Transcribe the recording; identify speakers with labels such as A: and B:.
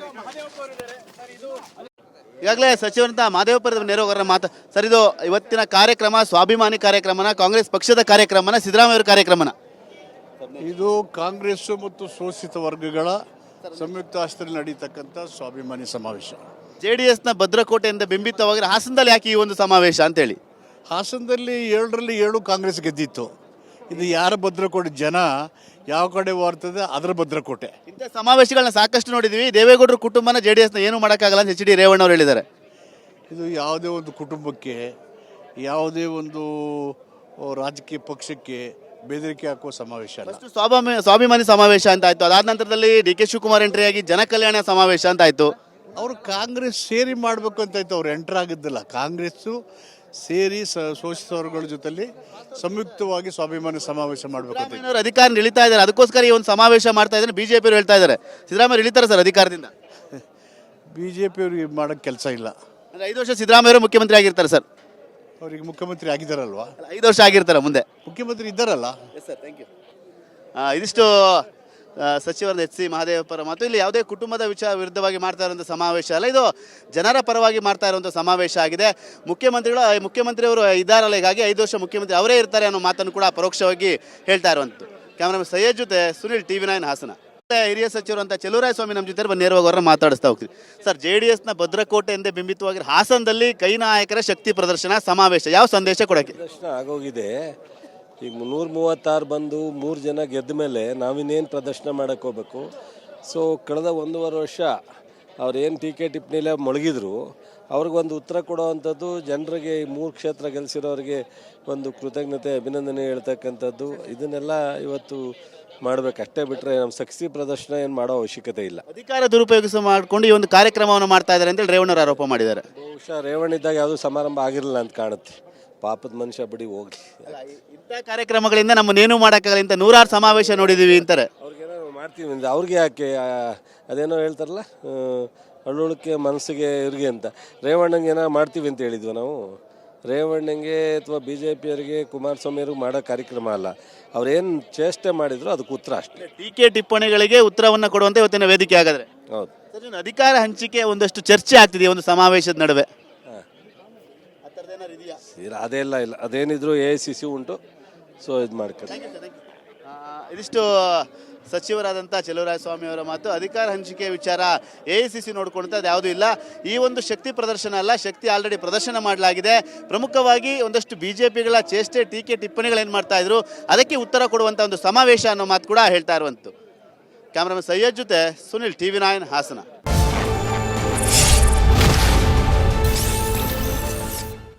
A: ಈಗಾಗಲೇ ಸಚಿವರಂತ ಮಾದೇವಪುರದ ನೇರವರ ಮಾತು ಸರ್. ಇದು ಇವತ್ತಿನ ಕಾರ್ಯಕ್ರಮ ಸ್ವಾಭಿಮಾನಿ ಕಾರ್ಯಕ್ರಮನ, ಕಾಂಗ್ರೆಸ್ ಪಕ್ಷದ ಕಾರ್ಯಕ್ರಮನ, ಸಿದ್ದರಾಮಯ್ಯ ಅವರ ಕಾರ್ಯಕ್ರಮನ?
B: ಇದು ಕಾಂಗ್ರೆಸ್ ಮತ್ತು ಶೋಷಿತ ವರ್ಗಗಳ ಸಂಯುಕ್ತ ಆಶ್ರಯದಲ್ಲಿ ನಡೀತಕ್ಕಂಥ ಸ್ವಾಭಿಮಾನಿ ಸಮಾವೇಶ.
A: JDSನ ಭದ್ರಕೋಟೆಯಿಂದ ಬಿಂಬಿತವಾಗಿರೋ ಹಾಸನದಲ್ಲಿ ಯಾಕೆ ಈ ಒಂದು ಸಮಾವೇಶ ಅಂತೇಳಿ?
B: ಹಾಸನದಲ್ಲಿ 7ರಲ್ಲಿ 7 ಕಾಂಗ್ರೆಸ್ ಗೆದ್ದಿತ್ತು. ಇದು ಯಾರ ಭದ್ರಕೋಟೆ? ಜನ ಯಾವ ಕಡೆ ಬರ್ತದೆ ಅದರ ಭದ್ರಕೋಟೆ.
A: ಇಂಥ ಸಮಾವೇಶಗಳನ್ನ ಸಾಕಷ್ಟು ನೋಡಿದ್ವಿ. ದೇವೇಗೌಡರ ಕುಟುಂಬನ JDSನ ಏನು ಮಾಡೋಕ್ಕಾಗಲ್ಲ ಅಂತ HD ರೇವಣ್ಣ ಅವರು ಹೇಳಿದ್ದಾರೆ.
B: ಇದು ಯಾವುದೇ ಒಂದು ಕುಟುಂಬಕ್ಕೆ, ಯಾವುದೇ ಒಂದು ರಾಜಕೀಯ ಪಕ್ಷಕ್ಕೆ ಬೆದರಿಕೆ ಹಾಕುವ ಸಮಾವೇಶ ಅಲ್ಲ.
A: ಸ್ವಾಭಿಮಾನಿ ಸಮಾವೇಶ ಅಂತ ಆಯ್ತು. ಅದಾದ ನಂತರದಲ್ಲಿ DK ಶಿವಕುಮಾರ್ ಎಂಟ್ರಿ ಆಗಿ ಜನಕಲ್ಯಾಣ ಸಮಾವೇಶ ಅಂತ ಆಯ್ತು.
B: ಅವರು ಕಾಂಗ್ರೆಸ್ ಸೇರಿ ಮಾಡಬೇಕು ಅಂತ ಇತ್ತು. ಅವ್ರು ಎಂಟ್ರ್ ಆಗಿದ್ದಿಲ್ಲ. ಕಾಂಗ್ರೆಸ್ಸು ಸೇರಿ ಶೋಷಿತ ವರ್ಗಗಳ ಜೊತೆಲಿ ಸಂಯುಕ್ತವಾಗಿ ಸ್ವಾಭಿಮಾನಿ ಸಮಾವೇಶ ಮಾಡಬೇಕು.
A: ಸಿದ್ದರಾಮಯ್ಯ ಅಧಿಕಾರ ಇಳಿತಾ ಇದ್ದಾರೆ, ಅದಕ್ಕೋಸ್ಕರ ಈ ಒಂದು ಸಮಾವೇಶ ಮಾಡ್ತಾ ಇದ್ದಾರೆ BJP ಅವರು ಹೇಳ್ತಾ ಇದ್ದಾರೆ. ಸಿದ್ದರಾಮಯ್ಯ ಇಳಿತಾರೆ ಸರ್ ಅಧಿಕಾರದಿಂದ?
B: BJP ಅವ್ರಿಗೆ ಮಾಡೋಕ್ಕೆ ಕೆಲಸ ಇಲ್ಲ.
A: 5 ವರ್ಷ ಸಿದ್ದರಾಮಯ್ಯ ಅವರು ಮುಖ್ಯಮಂತ್ರಿ ಆಗಿರ್ತಾರೆ ಸರ್.
B: ಅವ್ರಿಗೆ ಮುಖ್ಯಮಂತ್ರಿ ಆಗಿದ್ದಾರಲ್ವಾ?
A: 5 ವರ್ಷ ಆಗಿರ್ತಾರೆ, ಮುಂದೆ
B: ಮುಖ್ಯಮಂತ್ರಿ ಇದ್ದಾರಲ್ಲ.
A: ಇದಿಷ್ಟು ಸಚಿವರ HC ಮಹದೇವಪ್ಪರ ಮಾತು. ಇಲ್ಲಿ ಯಾವುದೇ ಕುಟುಂಬದ ವಿರುದ್ಧವಾಗಿ ಮಾಡ್ತಾ ಇರುವಂಥ ಸಮಾವೇಶ ಅಲ್ಲ, ಇದು ಜನರ ಪರವಾಗಿ ಮಾಡ್ತಾ ಇರುವಂಥ ಸಮಾವೇಶ ಆಗಿದೆ. ಮುಖ್ಯಮಂತ್ರಿಯವರು ಇದ್ದಾರಲ್ಲ, ಹೀಗಾಗಿ 5 ವರ್ಷ ಮುಖ್ಯಮಂತ್ರಿ ಅವರೇ ಇರ್ತಾರೆ ಅನ್ನೋ ಮಾತನ್ನು ಕೂಡ ಪರೋಕ್ಷವಾಗಿ ಹೇಳ್ತಾ ಇರುವಂಥದ್ದು. ಕ್ಯಾಮ್ರಾಮನ್ ಸೈಯದ್ ಜೊತೆ ಸುನಿಲ್, TV9 ಹಾಸನ. ಹಿರಿಯ ಸಚಿವರು ಅಂತ ಚೆಲುವರಾಯಸ್ವಾಮಿ ನಮ್ಮ ಜೊತೆ ಬಂದು ನೇರವಾಗಿ ಅವರನ್ನ ಮಾತಾಡಿಸ್ತಾ ಹೋಗ್ತೀವಿ. ಸರ್, JDSನ ಭದ್ರಕೋಟೆ ಎಂದೇ ಬಿಂಬಿತವಾಗಿರೋ ಹಾಸನದಲ್ಲಿ ಕೈ ನಾಯಕರ ಶಕ್ತಿ ಪ್ರದರ್ಶನ ಸಮಾವೇಶ, ಯಾವ ಸಂದೇಶ ಕೊಡೋಕ್ಕೆ?
C: ಪ್ರದರ್ಶನ ಆಗೋಗಿದೆ. ಈಗ 336 ಬಂದು 3 ಜನ ಗೆದ್ದ ಮೇಲೆ ನಾವಿನ್ನೇನು ಪ್ರದರ್ಶನ ಮಾಡೋಕ್ಕೆ ಹೋಗ್ಬೇಕು? ಸೊ ಕಳೆದ 1.5 ವರ್ಷ ಅವ್ರೇನು ಟೀಕೆ ಟಿಪ್ಪಣಿಲೇ ಮೊಳಗಿದ್ರು, ಅವ್ರಿಗೊಂದು ಉತ್ತರ ಕೊಡೋವಂಥದ್ದು, ಜನರಿಗೆ ಈ 3 ಕ್ಷೇತ್ರ ಗೆಲ್ಲಿಸಿರೋರಿಗೆ ಒಂದು ಕೃತಜ್ಞತೆ, ಅಭಿನಂದನೆ ಹೇಳ್ತಕ್ಕಂಥದ್ದು, ಇದನ್ನೆಲ್ಲ ಇವತ್ತು ಮಾಡಬೇಕು. ಅಷ್ಟೇ ಬಿಟ್ಟರೆ ನಮ್ಮ ಶಕ್ತಿ ಪ್ರದರ್ಶನ ಏನು ಮಾಡೋ ಅವಶ್ಯಕತೆ ಇಲ್ಲ.
A: ಅಧಿಕಾರ ದುರುಪಯೋಗ ಮಾಡಿಕೊಂಡು ಈ ಒಂದು ಕಾರ್ಯಕ್ರಮವನ್ನು ಮಾಡ್ತಾ ಇದ್ದಾರೆ ಅಂತೇಳಿ ರೇವಣ್ಣರು ಆರೋಪ ಮಾಡಿದ್ದಾರೆ.
C: ಬಹುಶಃ ರೇವಣ್ಣ ಇದ್ದಾಗ ಯಾವುದೂ ಸಮಾರಂಭ ಆಗಿರಲಿಲ್ಲ ಅಂತ ಕಾಣುತ್ತೆ. ಪಾಪದ ಮನುಷ್ಯ ಬಿಡಿ ಹೋಗ್ಲಿ.
A: ಇಂಥ ಕಾರ್ಯಕ್ರಮಗಳಿಂದ ನಮ್ಮನ್ನೇನು ಮಾಡೋಕ್ಕಾಗಲ್ಲ, ಇಂಥ 106 ಸಮಾವೇಶ ನೋಡಿದ್ದೀವಿ ಅಂತಾರೆ.
C: ಅವ್ರಿಗೇನೋ ಮಾಡ್ತೀವಿ ಅಂದರೆ ಅವ್ರಿಗೆ ಯಾಕೆ ಅದೇನೋ ಹೇಳ್ತಾರಲ್ಲ, ಅಳುಳಿಕೆ ಮನಸ್ಸಿಗೆ ಇವ್ರಿಗೆ ಅಂತ. ರೇವಣ್ಣಂಗೆ ಏನೋ ಮಾಡ್ತೀವಿ ಅಂತ ಹೇಳಿದ್ವಿ ನಾವು. ರೇವಣ್ಣಂಗೆ ಅಥವಾ BJPಯವರಿಗೆ, ಕುಮಾರಸ್ವಾಮಿಯವ್ರಿಗೆ ಮಾಡೋ ಕಾರ್ಯಕ್ರಮ ಅಲ್ಲ. ಅವ್ರೇನು ಚೇಷ್ಟೆ ಮಾಡಿದ್ರು ಅದಕ್ಕೆ ಉತ್ತರ ಅಷ್ಟೇ.
A: ಟೀಕೆ ಟಿಪ್ಪಣಿಗಳಿಗೆ ಉತ್ತರವನ್ನು ಕೊಡುವಂತೆ ಇವತ್ತಿನ ವೇದಿಕೆ ಆಗಾದ್ರೆ.
C: ಹೌದು
A: ಸರ್, ಅಧಿಕಾರ ಹಂಚಿಕೆ ಒಂದಷ್ಟು ಚರ್ಚೆ ಆಗ್ತಿದೆ ಒಂದು ಸಮಾವೇಶದ ನಡುವೆ.
C: ಅದೇಲ್ಲ ಇಲ್ಲ, ಅದೇನಿದ್ರು AICC ಉಂಟು. ಸೊ ಇದು ಮಾಡ್ತಾರೆ.
A: ಇದಿಷ್ಟು ಸಚಿವರಾದಂಥ ಚೆಲುವರಾಯಸ್ವಾಮಿ ಅವರ ಮಾತು. ಅಧಿಕಾರ ಹಂಚಿಕೆ ವಿಚಾರ AICC ನೋಡ್ಕೊಂತ ಅದು ಯಾವುದೂ ಇಲ್ಲ. ಈ ಒಂದು ಶಕ್ತಿ ಪ್ರದರ್ಶನ ಅಲ್ಲ, ಶಕ್ತಿ ಆಲ್ರೆಡಿ ಪ್ರದರ್ಶನ ಮಾಡಲಾಗಿದೆ. ಪ್ರಮುಖವಾಗಿ ಒಂದಷ್ಟು BJPಗಳ ಚೇಷ್ಟೆ, ಟೀಕೆ ಟಿಪ್ಪಣಿಗಳೇನು ಮಾಡ್ತಾ ಇದ್ರು ಅದಕ್ಕೆ ಉತ್ತರ ಕೊಡುವಂಥ ಒಂದು ಸಮಾವೇಶ ಅನ್ನೋ ಮಾತು ಕೂಡ ಹೇಳ್ತಾ ಇರುವಂಥದ್ದು. ಕ್ಯಾಮ್ರಾಮನ್ ಸೈಯದ್ ಜೊತೆ ಸುನಿಲ್, TV9 ಹಾಸನ.